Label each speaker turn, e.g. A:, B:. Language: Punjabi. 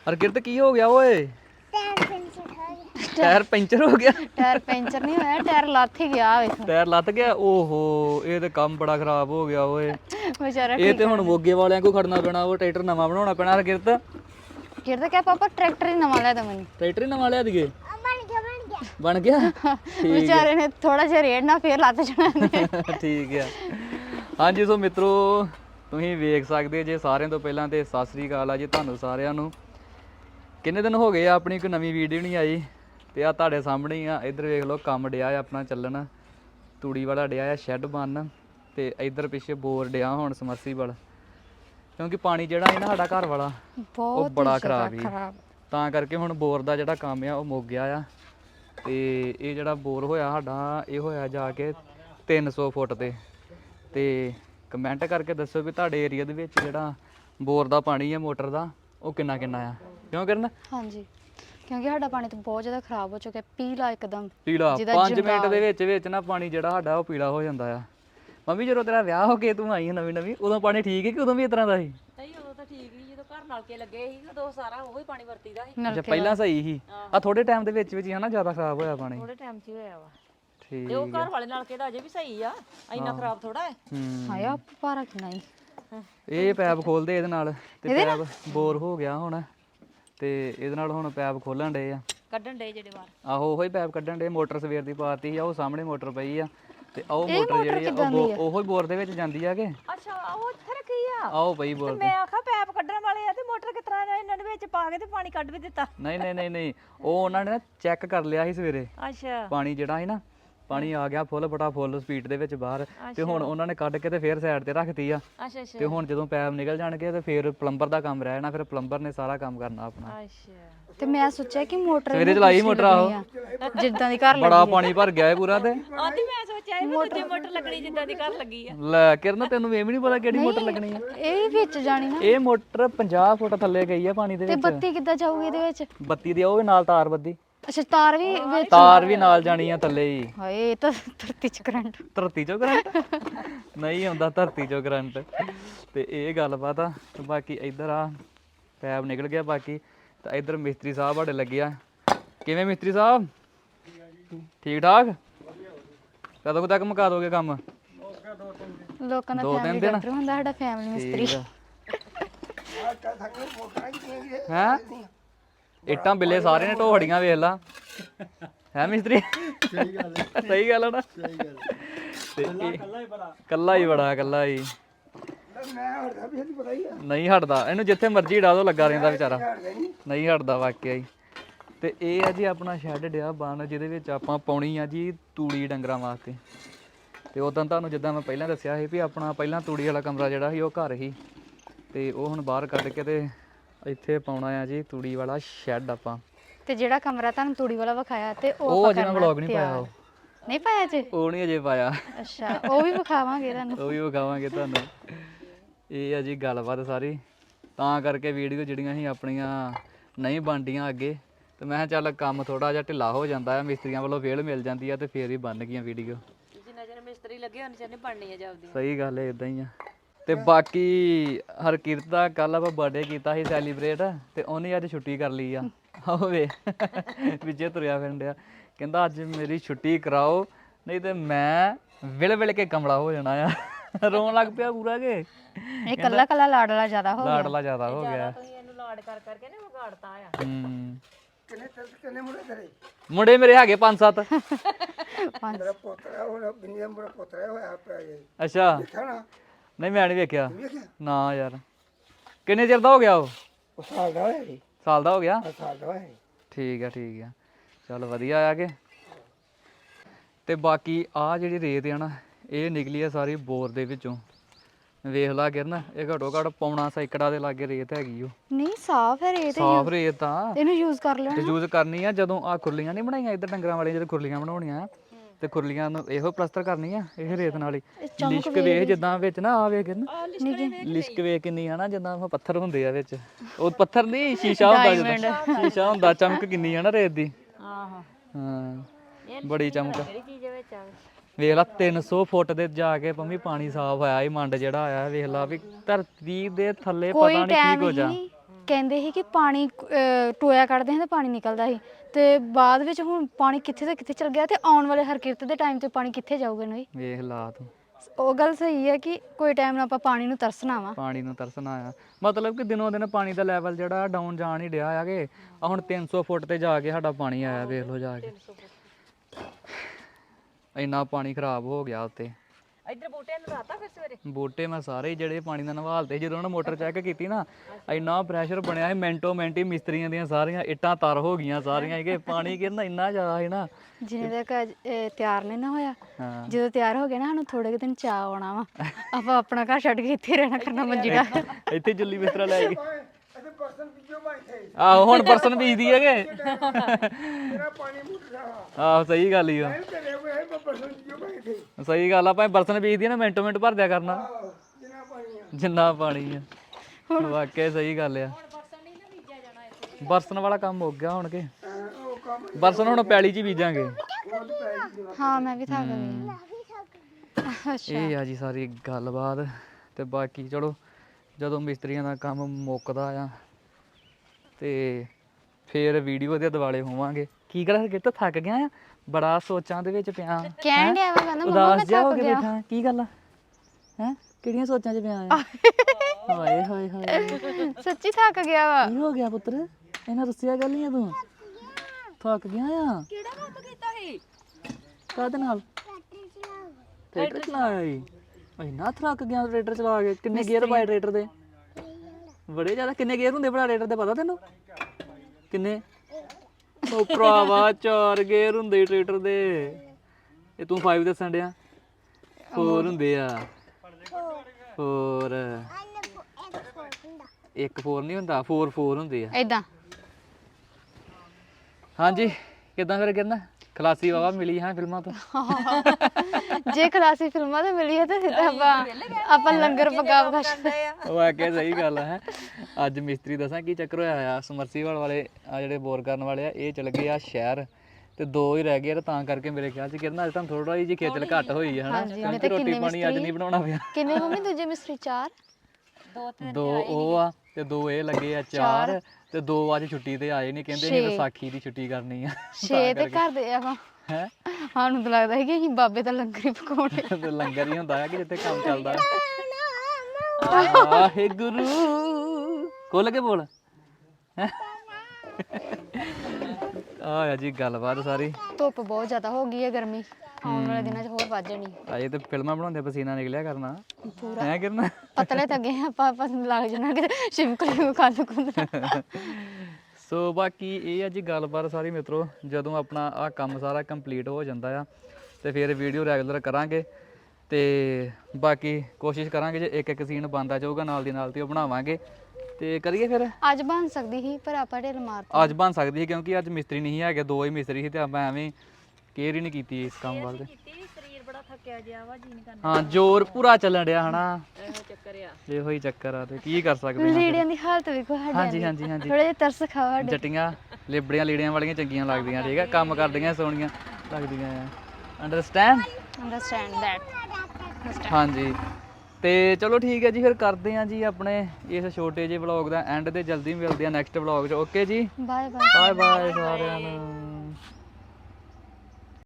A: ਹਰਕਿਰਤ ਕੀ ਹੋ ਗਿਆ ਓਏ? ਟਾਇਰ ਪੈਂਚਰ ਹੋ ਗਿਆ।
B: ਟਾਇਰ ਪੈਂਚਰ ਨਹੀਂ ਹੋਇਆ, ਟਾਇਰ ਲੱਥ ਹੀ ਗਿਆ ਵੇਖ।
A: ਟਾਇਰ ਲੱਤ ਗਿਆ? ਓਹੋ, ਇਹ ਤੇ ਕੰਮ ਬੜਾ ਖਰਾਬ ਹੋ ਗਿਆ ਓਏ।
B: ਵਿਚਾਰਾ
A: ਇਹ ਤੇ ਹੁਣ ਮੋਗੇ ਵਾਲਿਆਂ ਕੋ ਖੜਨਾ ਪੈਣਾ, ਉਹ ਟਰੈਕਟਰ ਨਵਾਂ ਬਣਾਉਣਾ ਪੈਣਾ। ਹਰਕਿਰਤ
B: ਕਿਰਤ ਕਹਿ ਪਾਪਾ ਟਰੈਕਟਰ ਹੀ ਨਵਾਂ ਲਿਆ ਤਾ ਮੈਨੂੰ।
A: ਟਰੈਕਟਰ ਹੀ ਨਵਾਂ ਲਿਆ ਦੀਏ? ਬਣ ਗਿਆ।
B: ਵਿਚਾਰੇ ਨੇ ਥੋੜਾ ਜਿਹਾ ਰੇੜ ਨਾ ਫੇਰ ਲੱਤ ਜਾਣਾ।
A: ਠੀਕ ਆ। ਹਾਂਜੀ ਸੋ ਮਿੱਤਰੋ, ਤੁਸੀਂ ਵੇਖ ਸਕਦੇ ਜੇ ਸਾਰਿਆਂ ਤੋਂ ਪਹਿਲਾਂ ਤੇ ਸਤਿ ਸ੍ਰੀ ਅਕਾਲ ਆ ਜੀ ਤੁਹਾਨੂੰ ਸਾਰਿਆਂ ਨੂੰ। ਕਿੰਨੇ ਦਿਨ ਹੋ ਗਏ ਆ ਆਪਣੀ ਕੋਈ ਨਵੀਂ ਵੀਡੀਓ ਨਹੀਂ ਆਈ, ਤੇ ਆ ਤੁਹਾਡੇ ਸਾਹਮਣੇ ਹੀ ਆ। ਇੱਧਰ ਵੇਖ ਲਓ ਕੰਮ ਡਿਆ ਆ ਆਪਣਾ ਚੱਲਣ, ਤੂੜੀ ਵਾਲਾ ਡਿਆ ਆ ਸ਼ੈੱਡ ਬੰਨ, ਤੇ ਇੱਧਰ ਪਿੱਛੇ ਬੋਰ ਡਿਆ ਹੁਣ ਸਮਰਸੀਬਲ, ਕਿਉਂਕਿ ਪਾਣੀ ਜਿਹੜਾ ਹੈ ਨਾ ਸਾਡਾ ਘਰ ਵਾਲਾ ਉਹ ਬੜਾ ਖਰਾਬ ਸੀ, ਤਾਂ ਕਰਕੇ ਹੁਣ ਬੋਰ ਦਾ ਜਿਹੜਾ ਕੰਮ ਆ ਉਹ ਮੁੱਕ ਗਿਆ ਆ। ਤੇ ਇਹ ਜਿਹੜਾ ਬੋਰ ਹੋਇਆ ਸਾਡਾ, ਇਹ ਹੋਇਆ ਜਾ ਕੇ 300 ਫੁੱਟ ਤੇ ਕਮੈਂਟ ਕਰਕੇ ਦੱਸੋ ਵੀ ਤੁਹਾਡੇ ਏਰੀਆ ਦੇ ਵਿੱਚ ਜਿਹੜਾ ਬੋਰ ਦਾ ਪਾਣੀ ਆ ਮੋਟਰ ਦਾ ਉਹ ਕਿੰਨਾ ਆ, ਕਿਉਂ ਕਰਨ?
B: ਹਾਂਜੀ, ਕਿਉਂਕਿ ਸਾਡਾ ਪਾਣੀ ਤਾਂ ਬਹੁਤ ਜ਼ਿਆਦਾ ਖਰਾਬ ਹੋ ਚੁੱਕਿਆ, ਪੀਲਾ ਇੱਕਦਮ
A: ਪੀਲਾ। 5 ਮਿੰਟ ਦੇ ਵਿੱਚ ਨਾ ਪਾਣੀ ਜਿਹੜਾ ਸਾਡਾ ਉਹ ਪੀਲਾ ਹੋ ਜਾਂਦਾ ਆ। ਮੰਮੀ ਜਦੋਂ ਤੇਰਾ ਵਿਆਹ ਹੋ ਕੇ ਤੂੰ ਆਈ ਨਵੀਂ ਉਦੋਂ ਪਾਣੀ ਠੀਕ ਹੈ ਕਿ ਉਦੋਂ ਵੀ ਇਸ ਤਰ੍ਹਾਂ ਦਾ ਸੀ?
C: ਨਹੀਂ ਉਦੋਂ ਤਾਂ ਠੀਕ ਹੀ, ਜਦੋਂ ਘਰ ਨਲਕੇ ਲੱਗੇ ਸੀ ਉਦੋਂ ਸਾਰਾ ਉਹੀ ਪਾਣੀ ਵਰਤੀਦਾ ਸੀ।
A: ਅੱਛਾ, ਪਹਿਲਾਂ ਸਹੀ ਸੀ। ਆ ਥੋੜੇ ਟਾਈਮ ਦੇ ਵਿੱਚ ਹੀ ਹਨਾ ਜ਼ਿਆਦਾ ਖਰਾਬ ਹੋਇਆ ਪਾਣੀ?
C: ਥੋੜੇ ਟਾਈਮ 'ਚ ਹੀ ਹੋਇਆ ਵਾ।
A: ਠੀਕ
C: ਤੇ ਉਹ ਘਰ ਵਾਲੇ ਨਲਕੇ ਦਾ ਅਜੇ ਵੀ ਸਹੀ ਆ, ਇੰਨਾ ਖਰਾਬ ਥੋੜਾ ਹੈ।
B: ਆਇਆ ਭਾਰਾ ਕਿੰਨਾ ਹੀ।
A: ਇਹ ਪੈਪ ਖੋਲਦੇ ਇਹਦੇ ਨਾਲ, ਤੇ ਪੈਪ ਬੋਰ ਹੋ ਗਿਆ ਹੁਣ, ਤੇ ਇਹਦੇ ਨਾਲ ਹੁਣ ਪੈਪ ਖੋਲਣ ਡੇ ਆ,
C: ਕੱਢਣ ਡੇ ਜਿਹੜੇ ਬਾਹਰ।
A: ਆਹੋ ਉਹੀ ਪੈਪ ਕੱਢਣ ਡੇ। ਮੋਟਰ ਸਵੇਰ ਦੀ ਪਾਤੀ ਆ, ਉਹ ਸਾਹਮਣੇ ਮੋਟਰ ਪਈ ਆ, ਤੇ ਉਹ ਮੋਟਰ ਜਿਹੜੀ ਆ ਉਹੋ ਹੀ ਬੋਰ ਦੇ ਵਿੱਚ ਜਾਂਦੀ ਆ ਕਿ?
C: ਅੱਛਾ, ਉਹ ਇੱਥੇ ਰੱਖੀ ਆ।
A: ਆਓ ਪਈ ਬੋਰ
C: ਮੈਂ ਆਖਾ ਪੈਪ ਕੱਢਣ ਵਾਲੇ ਆ ਤੇ ਮੋਟਰ ਕਿਸ ਤਰ੍ਹਾਂ ਇਹਨਾਂ ਦੇ ਵਿੱਚ ਪਾ ਕੇ ਤੇ ਪਾਣੀ ਕੱਢ ਵੀ ਦਿੱਤਾ।
A: ਨਹੀਂ, ਉਹ ਉਹਨਾਂ ਨੇ ਨਾ ਚੈੱਕ ਕਰ ਲਿਆ ਸੀ ਸਵੇਰੇ,
C: ਅੱਛਾ,
A: ਪਾਣੀ ਜਿਹੜਾ ਸੀ ਨਾ, ਪਾਣੀ ਆ ਗਿਆ ਫੁੱਲ ਸਪੀਡ ਦੇ ਵਿੱਚ ਬਾਹਰ, ਤੇ ਹੁਣ ਉਹਨਾਂ ਨੇ ਕੱਢ ਕੇ ਤੇ ਫੇਰ ਸਾਈਡ ਤੇ ਰੱਖਤੀ ਆ।
C: ਅੱਛਾ ਅੱਛਾ
A: ਤੇ ਹੁਣ ਜਦੋਂ ਪੈਪ ਨਿਕਲ ਜਾਣਗੇ ਤੇ ਫੇਰ ਪਲੰਬਰ ਦਾ ਕੰਮ ਰਹਿ ਜਾਣਾ, ਫਿਰ ਪਲੰਬਰ ਨੇ ਸਾਰਾ ਕੰਮ ਕਰਨਾ ਆਪਣਾ।
C: ਅੱਛਾ।
B: ਤੇ ਮੈਂ ਸੋਚਿਆ ਕਿ ਮੋਟਰ
A: ਸਵੇਰੇ ਚਲਾਈ ਮੋਟਰ ਆਹੋ,
B: ਜਿੱਦਾਂ ਦੀ ਘਰ
A: ਬੜਾ ਪਾਣੀ ਭਰ ਗਿਆ ਹੈ ਪੂਰਾ। ਤੇ
C: ਆਂਦੀ ਮੈਂ ਸੋਚਿਆ ਇਹ ਦੂਜੀ ਮੋਟਰ ਲੱਗਣੀ ਜਿੱਦਾਂ ਦੀ ਘਰ ਲੱਗੀ ਆ।
A: ਲੈ ਕਿਰਨ, ਤੈਨੂੰ ਇਹ ਵੀ ਨਹੀਂ ਪਤਾ ਕਿਹੜੀ ਮੋਟਰ ਲੱਗਣੀ ਆ?
B: ਇਹ ਵਿੱਚ ਜਾਣੀ ਨਾ।
A: ਇਹ ਮੋਟਰ 50 ਫੁੱਟ ਥੱਲੇ ਗਈ ਆ ਪਾਣੀ ਦੇ
B: ਤੇ
A: ਵਿੱਚ।
B: ਬੱਤੀ ਕਿੱਦਾਂ ਜਾਊਗੀ ਇਹਦੇ ਵਿੱਚ?
A: ਬੱਤੀ ਦੀ ਉਹ ਵੀ ਨਾਲ ਤਾਰ ਬੱਦੀ,
B: ਅੱਛਾ, ਤਾਰ ਵੀ ਵਿੱਚ?
A: ਤਾਰ ਵੀ ਨਾਲ ਜਾਣੀ ਆ ਥੱਲੇ ਹੀ।
B: ਹਾਏ, ਇਹ ਤਾਂ ਧਰਤੀ 'ਚ ਕਰੰਟ।
A: ਧਰਤੀ ਚੋਂ ਕਰੰਟ ਨਹੀਂ ਆਉਂਦਾ, ਧਰਤੀ ਚੋਂ ਕਰੰਟ। ਤੇ ਇਹ ਗੱਲਬਾਤ ਆ। ਬਾਕੀ ਇੱਧਰ ਆ ਪੈਪ ਨਿਕਲ ਗਿਆ ਬਾਕੀ, ਤਾਂ ਇੱਧਰ ਮਿਸਤਰੀ ਸਾਹਿਬ ਸਾਡੇ ਲੱਗੇ ਆ। ਕਿਵੇਂ ਮਿਸਤਰੀ ਸਾਹਿਬ? ਠੀਕ ਠਾਕ? ਕਦੋਂ ਤੱਕ ਮੁਕਾ ਦੋਗੇ ਕੰਮ?
B: ਲੋਕਾਂ ਦਾ ਫੈਮਿਲੀ ਡਾਕਟਰ ਹੁੰਦਾ, ਸਾਡਾ ਫੈਮਿਲੀ ਮਿਸਤਰੀ।
A: ਹੈਂ? ਇੱਟਾਂ ਬਿੱਲੇ ਸਾਰੇ ਨੇ ਢੋਹੜੀਆਂ ਵੇਖ ਲਾ, ਹੈ ਮਿਸਤਰੀ? ਸਹੀ ਗੱਲ ਆ ਨਾ। ਕੱਲਾ ਹੀ ਨਹੀਂ ਹਟਦਾ, ਇਹਨੂੰ ਜਿੱਥੇ ਮਰਜ਼ੀ ਡਾ ਦੋ ਲੱਗਾ ਰਹਿੰਦਾ ਵਿਚਾਰਾ, ਨਹੀਂ ਹਟਦਾ ਵਾਕਿਆ ਹੀ। ਤੇ ਇਹ ਆ ਜੀ ਆਪਣਾ ਸ਼ੈੱਡ ਡਿਆ ਬਣ, ਜਿਹਦੇ ਵਿੱਚ ਆਪਾਂ ਪਾਉਣੀ ਆ ਜੀ ਤੂੜੀ ਡੰਗਰਾਂ ਵਾਸਤੇ। ਤੇ ਉਦੋਂ ਤੁਹਾਨੂੰ ਜਿੱਦਾਂ ਮੈਂ ਪਹਿਲਾਂ ਦੱਸਿਆ ਸੀ ਵੀ ਆਪਣਾ ਪਹਿਲਾਂ ਤੂੜੀ ਵਾਲਾ ਕਮਰਾ ਜਿਹੜਾ ਸੀ ਉਹ ਘਰ ਸੀ, ਤੇ ਉਹ ਹੁਣ ਬਾਹਰ ਕੱਢ ਕੇ ਤੇ ਇੱਥੇ ਪਾਉਣਾ ਆ ਜੀ ਤੂੜੀ ਵਾਲਾ ਸ਼ੈੱਡ ਆਪਾਂ।
B: ਤੇ ਜਿਹੜਾ ਕਮਰਾ ਤੁਹਾਨੂੰ ਤੂੜੀ ਵਾਲਾ ਵਿਖਾਇਆ ਤੇ
A: ਉਹ ਅਜੇ ਮੈਂ ਵਲੌਗ ਨਹੀਂ ਪਾਇਆ। ਉਹ
B: ਨਹੀਂ ਪਾਇਆ ਜੀ?
A: ਉਹ ਨਹੀਂ ਅਜੇ ਪਾਇਆ।
B: ਅੱਛਾ, ਉਹ ਵੀ ਵਿਖਾਵਾਂਗੇ ਤੁਹਾਨੂੰ।
A: ਉਹ ਵੀ ਵਿਖਾਵਾਂਗੇ ਤੁਹਾਨੂੰ। ਇਹ ਆ ਜੀ ਗੱਲਬਾਤ ਸਾਰੀ, ਤਾਂ ਕਰਕੇ ਵੀਡੀਓ ਜਿਹੜੀਆਂ ਸੀ ਆਪਣੀਆਂ ਨਹੀਂ ਬਣਦੀਆਂ ਅੱਗੇ, ਤੇ ਮੈਂ ਕਿਹਾ ਚੱਲ ਕੰਮ ਥੋੜਾ ਜਿਹਾ ਢਿੱਲਾ ਹੋ ਜਾਂਦਾ ਆ, ਮਿਸਤਰੀਆਂ ਵੱਲੋਂ ਵੇਲ ਮਿਲ ਜਾਂਦੀ ਆ, ਤੇ ਫੇਰ ਹੀ ਬਣ ਗਈਆਂ ਵੀਡੀਓ।
C: ਜਿੰਨਾ ਚਿਰ ਮਿਸਤਰੀ ਲੱਗੇ ਉਹਨਾਂ ਚਿਰ ਨਹੀਂ ਬਣਨੀ ਆ ਜਾਂਦੀ।
A: ਸਹੀ ਗੱਲ ਹੈ, ਇਦਾਂ ਹੀ ਆ। ਤੇ ਬਾਕੀ ਹਰਕਿਰਤ ਦਾ ਕੱਲ ਆਪਾਂ ਬਰਥਡੇ ਕੀਤਾ ਸੀ ਸੈਲੀਬ੍ਰੇਟ, ਤੇ ਉਹਨੇ ਅੱਜ ਛੁੱਟੀ ਕਰ ਲਈ ਆ। ਹੋਵੇ ਵਿੱਚੇ ਤੁਰਿਆ ਫਿਰਨ ਡਿਆ, ਕਹਿੰਦਾ ਅੱਜ ਮੇਰੀ ਛੁੱਟੀ ਕਰਾਓ ਨਹੀਂ ਤੇ ਮੈਂ ਵਿਲ ਕੇ ਕਮਲਾ ਹੋ ਜਾਣਾ ਆ। ਰੋਣ ਲੱਗ ਪਿਆ ਪੂਰਾ ਕੇ
B: ਇਹ ਕੱਲਾ ਲਾਡਲਾ ਜ਼ਿਆਦਾ ਹੋ ਗਿਆ।
A: ਲਾਡਲਾ ਜ਼ਿਆਦਾ ਹੋ ਗਿਆ।
C: ਤੁਸੀਂ ਇਹਨੂੰ ਲਾਡ ਕਰਕੇ ਨੇ ਵਿਗਾੜਤਾ ਆ।
A: ਮੁੰਡੇ ਮੇਰੇ ਹੈਗੇ 5-7। ਅੱਛਾ, ਨਹੀਂ ਮੈਂ ਨਹੀਂ ਵੇਖਿਆ ਨਾ ਯਾਰ। ਕਿੰਨੇ ਚਿਰ ਦਾ ਹੋ ਗਿਆ ਉਹ? ਸਾਲ ਦਾ ਹੋ ਗਿਆ। ਠੀਕ ਆ, ਚੱਲ ਵਧੀਆ ਆ ਕੇ। ਤੇ ਬਾਕੀ ਆ ਜਿਹੜੀ ਰੇਤ ਆ ਨਾ, ਇਹ ਨਿਕਲੀ ਆ ਸਾਰੀ ਬੋਰ ਦੇ ਵਿੱਚੋਂ। ਵੇਖ ਲਾ ਕਿਰਨ, ਇਹ ਘੱਟੋ ਘੱਟ ਪੌਣਾ ਸੈਂਕੜਾ ਦੇ ਲਾਗੇ ਰੇਤ ਹੈਗੀ ਉਹ।
B: ਨਹੀਂ, ਸਾਫ਼ ਹੈ ਰੇਤ।
A: ਸਾਫ਼ ਰੇਤ ਆ,
B: ਇਹਨੂੰ ਯੂਜ਼ ਕਰ ਲੈਣਾ।
A: ਤੇ ਯੂਜ਼ ਕਰਨੀ ਆ। ਜਦੋਂ ਆ ਖੁਰਲੀਆਂ ਨਹੀਂ ਬਣਾਈਆਂ ਇੱਧਰ ਡੰਗਰਾਂ ਵਾਲੀਆਂ, ਜਦੋਂ ਖੁਰਲੀਆਂ ਬਣਾਉਣੀਆਂ ਤੇ ਖੁਰਲੀਆਂ ਨੂੰ ਇਹੋ ਪਲਸਤਰ ਕਰਨੀ ਆ ਇਹ ਰੇਤ ਨਾਲ ਹੀ। ਲਿਸ਼ਕ ਵੇਖ ਜਿੱਦਾਂ ਵਿੱਚ ਨਾ ਆ ਵੇਖ ਕਿਰਨ, ਲਿਸ਼ਕ ਵੇਖ ਕਿੰਨੀ ਆ ਨਾ, ਜਿੱਦਾਂ ਪੱਥਰ ਹੁੰਦੇ ਆ ਵਿੱਚ। ਉਹ ਪੱਥਰ ਨਹੀਂ, ਸ਼ੀਸ਼ਾ ਹੁੰਦਾ, ਜਿੱਦਾਂ ਸ਼ੀਸ਼ਾ ਹੁੰਦਾ। ਚਮਕ ਕਿੰਨੀ ਆ ਨਾ ਰੇਤ ਦੀ।
C: ਆਹੋ,
A: ਹਾਂ, ਬੜੀ ਚਮਕ।
C: ਕਿਹੜੀ ਚੀਜ਼ ਵਿੱਚ ਆਵੇ।
A: ਵੇਖ ਲਾ 300 ਫੁੱਟ ਦੇ ਜਾ ਕੇ ਪੰਮੀ ਪਾਣੀ ਸਾਫ਼ ਹੋਇਆ। ਇਹ ਮੰਡ ਜਿਹੜਾ ਆਇਆ ਵੇਖ ਲਾ ਵੀ ਧਰਤੀ ਦੇ ਥੱਲੇ ਪਤਾ ਨਹੀਂ ਕੀ ਕੁਝ ਆ।
B: ਕਹਿੰਦੇ ਸੀ ਕਿ ਪਾਣੀ ਟੋਇਆ ਕੱਢਦੇ ਸੀ ਤੇ ਪਾਣੀ ਨਿਕਲਦਾ ਸੀ ਤੇ ਬਾਅਦ ਵਿੱਚ ਹੁਣ ਪਾਣੀ ਕਿੱਥੇ ਤੇ ਕਿੱਥੇ ਚਲ ਗਿਆ ਤੇ ਆਉਣ ਵਾਲੇ ਹਰਕਿਰਤ ਦੇ ਟਾਈਮ ਤੇ ਪਾਣੀ ਕਿੱਥੇ ਜਾਊਗਾ ਨਹੀਂ।
A: ਵੇਖ ਲਾ ਤੂੰ,
B: ਉਹ ਗੱਲ ਸਹੀ ਹੈ ਕਿ ਕੋਈ ਟਾਈਮ ਨਾਲ ਆਪਾਂ ਪਾਣੀ ਨੂੰ ਤਰਸਣਾ ਵਾ।
A: ਪਾਣੀ ਨੂੰ ਤਰਸਣਾ ਆ, ਮਤਲਬ ਕਿ ਦਿਨੋਂ ਦਿਨ ਪਾਣੀ ਦਾ ਲੈਵਲ ਜਿਹੜਾ ਡਾਊਨ ਜਾਣ ਹੀ ਡਿਆ ਹੈਗੇ। ਆ ਹੁਣ 300 ਫੁੱਟ ਤੇ ਜਾ ਕੇ ਸਾਡਾ ਪਾਣੀ ਆਇਆ, ਵੇਖ ਲਓ ਜਾ ਕੇ ਇੰਨਾ ਪਾਣੀ ਖਰਾਬ ਹੋ ਗਿਆ ਉੱਤੇ।
C: ਇੱਧਰ ਬੂਟਿਆਂ ਨੂੰ ਰਾਤਾ ਫਿਰ ਸਵੇਰੇ
A: ਬੂਟੇ ਮੈਂ ਸਾਰੇ ਜਿਹੜੇ ਪਾਣੀ ਨਾਲ ਨਵਾਲਤੇ, ਜਦੋਂ ਉਹਨਾਂ ਮੋਟਰ ਚੈੱਕ ਕੀਤੀ ਨਾ ਇੰਨਾ ਪ੍ਰੈਸ਼ਰ ਬਣਿਆ ਸੀ, ਮਿੰਟੋ ਮਿੰਟ ਹੀ ਮਿਸਤਰੀਆਂ ਦੀਆਂ ਸਾਰੀਆਂ ਇੱਟਾਂ ਤਰ ਹੋ ਗਈਆਂ ਸਾਰੀਆਂ, ਕਿ ਪਾਣੀ ਕਿੰਨਾ ਇੰਨਾ ਜ਼ਿਆਦਾ ਸੀ ਨਾ।
B: ਜਿੰਨੇ ਤੱਕ ਤਿਆਰ ਨਹੀਂ ਨਾ ਹੋਇਆ,
A: ਹਾਂ
B: ਜਦੋਂ ਤਿਆਰ ਹੋ ਗਿਆ ਨਾ ਸਾਨੂੰ ਥੋੜੇ ਕੁ ਦਿਨ ਚਾਹ ਆਉਣਾ ਵਾ, ਆਪਾਂ ਆਪਣਾ ਘਰ ਛੱਡ ਕੇ ਇੱਥੇ ਰਹਿਣਾ ਕਰਨਾ ਮੰਜੀ ਦਾ।
A: ਇੱਥੇ ਜੁੱਲੀ ਬਿਸਤਰਾ ਲੈ ਕੇ ਆਹੋ ਹੁਣ ਪਰਸਨ ਬੀਜਦੀ ਹੈਗੇ। ਆਹੋ ਸਹੀ ਗੱਲ ਹੀ ਆ, ਸਹੀ ਗੱਲ ਆ, ਭਾਵੇਂ ਬਰਸਨ ਬੀਜਦੀ ਨਾ ਮਿੰਟੋ ਮਿੰਟ ਭਰ ਦਿਆ ਕਰਨਾ ਜਿੰਨਾ ਪਾਣੀ ਆ। ਵਾਕਿਆ ਸਹੀ ਗੱਲ ਆ, ਬਰਸਨ ਵਾਲਾ ਕੰਮ ਹੋ ਗਿਆ ਹੁਣ ਕੇ ਬਰਸਨ ਹੁਣ ਪੈਲੀ 'ਚ ਹੀ ਬੀਜਾਂਗੇ।
B: ਹਾਂ ਮੈਂ ਵੀ ਥੱਕ ਗਈ। ਅੱਛਾ
A: ਇਹ ਆ ਜੀ ਸਾਰੀ ਗੱਲਬਾਤ। ਤੇ ਬਾਕੀ ਚਲੋ ਜਦੋਂ ਮਿਸਤਰੀਆਂ ਦਾ ਕੰਮ ਮੁੱਕਦਾ ਆ ਤੇ ਫੇਰ ਵੀਡੀਓ ਦੇ ਦਿਵਾਲੇ ਹੋਵਾਂਗੇ। ਕੀ ਕਰਾਂ ਕਿ ਥੱਕ ਗਿਆ ਆ, ਬੜਾ ਸੋਚਾਂ ਦੇ ਵਿੱਚ ਪਿਆ।
B: ਕਹਿਣ ਡਿਆ ਵਾ ਕਹਿੰਦਾ ਮੰਮਾ
A: ਉਦਾਸ
B: ਮੈਂ
A: ਜਿਹਾ ਹੋ
B: ਥੱਕ
A: ਕੇ
B: ਗਿਆ।
A: ਬੈਠਾ, ਕੀ ਗੱਲ ਆ ਹੈ, ਕਿਹੜੀਆਂ ਸੋਚਾਂ 'ਚ ਪਿਆ ਆ? ਹਾਏ ਹਾਏ ਹਾਏ,
B: ਸੱਚੀ ਥੱਕ ਗਿਆ ਵਾ।
A: ਕੀ ਹੋ ਗਿਆ ਪੁੱਤਰ, ਇਹਨਾਂ ਰੁੱਸਿਆ ਗੱਲ ਨਹੀਂ ਆ ਤੂੰ? ਥੱਕ ਗਿਆ ਆ?
C: ਕਿਹੜਾ ਕੰਮ ਕੀਤਾ ਸੀ?
A: ਕਾਹਦੇ ਨਾਲ? ਟਰੈਕਟਰ ਚਲਾਇਆ ਸੀ? ਇੰਨਾ ਥੱਕ ਗਿਆ ਟਰੈਕਟਰ ਚਲਾ ਕੇ? ਕਿੰਨੇ ਗੇਅਰ ਪਾਏ ਟਰੈਕਟਰ ਦੇ? ਬੜੇ ਜ਼ਿਆਦਾ। ਕਿੰਨੇ ਗੇਅਰ ਹੁੰਦੇ ਭਲਾ ਟਰੈਕਟਰ ਦੇ, ਪਤਾ ਤੈਨੂੰ? ਕਿੰਨੇ? ਉਹ ਭਰਾਵਾ 4 ਗੇਅਰ ਹੁੰਦੇ ਟਰੈਕਟਰ ਦੇ। ਇਹ ਤੂੰ 5 ਦੱਸਣ ਡਿਆ? 4 ਹੁੰਦੇ ਆ। 4 ਇੱਕ 4 ਨਹੀਂ ਹੁੰਦਾ, 4 ਹੁੰਦੇ ਆ।
B: ਏਦਾਂ
A: ਹਾਂਜੀ ਕਿੱਦਾਂ ਫਿਰ ਕਹਿੰਦਾ ਖਲਾਸੀ ਵਾਵਾ ਮਿਲੀ ਹਾਂ ਫਿਲਮਾਂ ਤੋਂ?
B: ਜੇ ਖਲਾਸੀ ਫਿਲਮਾਂ ਤੇ ਮਿਲੀ ਹੈ ਤੇ ਫਿਰ ਤਾਂ ਆਪਾਂ ਲੰਗਰ ਪਕਾ ਪਕਾ
A: ਉਹ ਆ ਕੇ ਸਹੀ ਗੱਲ ਹੈ। ਅੱਜ ਮਿਸਤਰੀ ਦੱਸਾਂ ਕੀ ਚੱਕਰ ਹੋਇਆ ਆ, ਸਮਰਸੀਬਲ ਵਾਲੇ ਆ ਜਿਹੜੇ ਬੋਰ ਕਰਨ ਵਾਲੇ ਆ, ਇਹ ਚਲ ਗਏ ਆ ਸ਼ਹਿਰ ਤੇ 2 ਹੀ ਰਹਿ ਗਏ, ਤਾਂ ਕਰਕੇ ਮੇਰੇ ਖਿਆਲ 'ਚ ਕਿਰਨ ਅੱਜ ਤਾਂ ਥੋੜਾ ਜਿਹੀ ਖੇਚਲ ਘੱਟ ਹੋਈ ਹੈ ਹਨਾ, ਕਿਉਂਕਿ ਰੋਟੀ ਪਾਣੀ ਅੱਜ ਨਹੀਂ ਬਣਾਉਣਾ ਪਿਆ।
B: ਕਿੰਨੇ ਮੰਮੀ ਦੂਜੇ ਮਿਸਤਰੀ 4?
A: 2 ਉਹ ਆ ਤੇ 2 ਇਹ ਲੱਗੇ ਆ 4 ਤੇ 2 ਅੱਜ ਛੁੱਟੀ ਤੇ ਆਏ ਨਹੀਂ, ਕਹਿੰਦੇ ਅਸੀਂ ਵਿਸਾਖੀ ਦੀ ਛੁੱਟੀ ਕਰਨੀ ਆ।
B: 6 ਤੇ ਘਰ ਦੇ ਆਪਾਂ
A: ਹੈ
B: ਸਾਨੂੰ ਤਾਂ ਲੱਗਦਾ ਹੈ ਕਿ ਅਸੀਂ ਬਾਬੇ ਦਾ ਲੰਗਰ ਹੀ ਪਕਾਉਣੇ।
A: ਤੇ ਲੰਗਰ ਹੀ ਹੁੰਦਾ ਆ ਕਿ ਜਿੱਥੇ ਕੰਮ ਚੱਲਦਾ। ਵਾਹਿਗੁਰੂ ਖੋਲ ਕੇ ਬੋਲ। ਆ ਜੀ ਗੱਲਬਾਤ ਸਾਰੀ।
B: ਧੁੱਪ ਬਹੁਤ ਜ਼ਿਆਦਾ ਹੋ ਗਈ ਹੈ, ਗਰਮੀ ਆਉਣ ਵਾਲੇ ਦਿਨਾਂ 'ਚ ਹੋਰ ਵੱਧ ਜਾਣੀ।
A: ਅਜੇ ਤੇ ਫਿਲਮਾਂ ਬਣਾਉਂਦੇ ਪਸੀਨਾ ਨਿਕਲਿਆ ਕਰਨਾ
B: ਪੂਰਾ
A: ਹੈ ਕਿਰਨ।
B: ਪਤਲੇ ਤਾਂ ਗਏ ਆਪਾਂ ਲੱਗ ਜਾਣਾ ਕਿ ਸ਼ਿਮਕਲੀ ਖਾਂਦ ਖੁੰਦ।
A: ਸੋ ਬਾਕੀ ਇਹ ਆ ਜੀ ਗੱਲਬਾਤ ਸਾਰੀ ਮਿੱਤਰੋ। ਜਦੋਂ ਆਪਣਾ ਆਹ ਕੰਮ ਸਾਰਾ ਕੰਪਲੀਟ ਹੋ ਜਾਂਦਾ ਆ ਤੇ ਫਿਰ ਵੀਡੀਓ ਰੈਗੂਲਰ ਕਰਾਂਗੇ ਤੇ ਬਾਕੀ ਕੋਸ਼ਿਸ਼ ਕਰਾਂਗੇ ਜੇ ਇੱਕ ਸੀਨ ਬਣਦਾ ਜਾਊਗਾ ਨਾਲ ਦੀ ਨਾਲ ਤੇ ਉਹ ਬਣਾਵਾਂਗੇ ਤੇ ਕਰੀਏ ਫਿਰ।
B: ਅੱਜ ਬਣ ਸਕਦੀ ਸੀ ਪਰ ਆਪਾਂ ਢਿੱਲ ਮਾਰਤੀ।
A: ਅੱਜ ਬਣ ਸਕਦੀ ਸੀ ਕਿਉਂਕਿ ਅੱਜ ਮਿਸਤਰੀ ਨਹੀਂ ਹੈਗੇ, 2 ਹੀ ਮਿਸਤਰੀ ਸੀ ਤੇ ਆਪਾਂ ਐਵੇਂ ਕੇਅਰ ਹੀ ਨਹੀਂ ਕੀਤੀ ਇਸ ਕੰਮ ਵੱਲ।
C: ਸਰੀਰ ਬੜਾ ਥੱਕਿਆ ਜਿਆ ਵਾ, ਜੀ ਨਹੀਂ ਕਰਨਾ।
A: ਹਾਂ ਜ਼ੋਰ ਪੂਰਾ ਚੱਲਣ ਡਿਆ ਹਨਾ,
C: ਇਹੋ ਚੱਕਰ ਆ।
A: ਇਹੋ ਹੀ ਚੱਕਰ ਆ ਤੇ ਕੀ ਕਰ ਸਕਦੇ ਹਾਂ।
B: ਲੀੜਿਆਂ ਦੀ ਹਾਲਤ ਵੇਖੋ ਸਾਡੇ।
A: ਹਾਂਜੀ ਹਾਂਜੀ ਹਾਂਜੀ,
B: ਥੋੜੇ ਜਿਹਾ ਤਰਸ ਖਾਓ ਸਾਡੇ।
A: ਜੱਟੀਆਂ ਲਿਬੜੀਆਂ ਲੀੜਿਆਂ ਵਾਲੀਆਂ ਚੰਗੀਆਂ ਲੱਗਦੀਆਂ, ਠੀਕ ਹੈ, ਕੰਮ ਕਰਦੀਆਂ ਸੋਹਣੀਆਂ ਲੱਗਦੀਆਂ ਆ। Understand
B: that.
A: ਹਾਂਜੀ ਤੇ ਚਲੋ ਠੀਕ ਹੈ ਜੀ, ਫਿਰ ਕਰਦੇ ਹਾਂ ਜੀ ਆਪਣੇ ਇਸ ਛੋਟੇ ਜਿਹੇ ਵਲੌਗ ਦਾ ਐਂਡ ਤੇ। ਜਲਦੀ ਮਿਲਦੇ ਆ ਨੈਕਸਟ ਵਲੌਗ 'ਚ। ਓਕੇ ਜੀ,
B: ਬਾਏ ਬਾਏ।
A: ਬਾਏ ਬਾਏ ਸਾਰਿਆਂ ਨੂੰ।